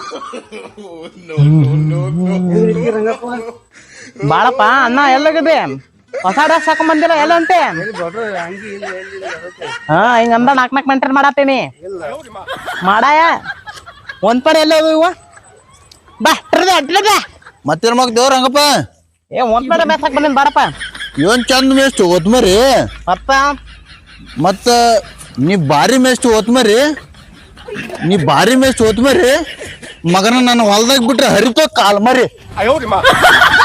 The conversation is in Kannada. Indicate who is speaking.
Speaker 1: ಬಾಳಪ್ಪ ಅಣ್ಣ ಎಲ್ಲೋಗಿದೆ ಹೊಸ ಡ್ರೆಸ್ ಹಾಕೊಂಡ್ ಬಂದಿರ ಎಲ್ಲ ಅಂತೆ ಹಾ ಹಿಂಗ ಅಂದ ನಾಕ್ ಮೇಂಟೈನ್ ಮಾಡತ್ತೀನಿ ಮಾಡಾಯ ಒಂದ್ ಪಡೆ ಎಲ್ಲ ಇವ ಬಾ ಅಡ್ಲದ
Speaker 2: ಮತ್ತೇನ್ ದೇವ್ರ ರಂಗಪ್ಪ
Speaker 1: ಏ ಒಂದ್ ಪಡೆ ಮ್ಯಾಚ್ ಹಾಕ್ ಬಂದಿನ ಬಾರಪ್ಪ
Speaker 2: ಇವನ್ ಚಂದ ಮೇಸ್ಟ್ ಓದ್ಮರಿ ಮತ್ತ ನೀ ಭಾರಿ ಮೇಸ್ಟ್ ಓದ್ಮರಿ ಮಗನ ನನ್ನ ಹೊಲ್ದಾಗ ಬಿಟ್ರೆ ಹರಿತೋ ಕಾಲ್ ಮರಿ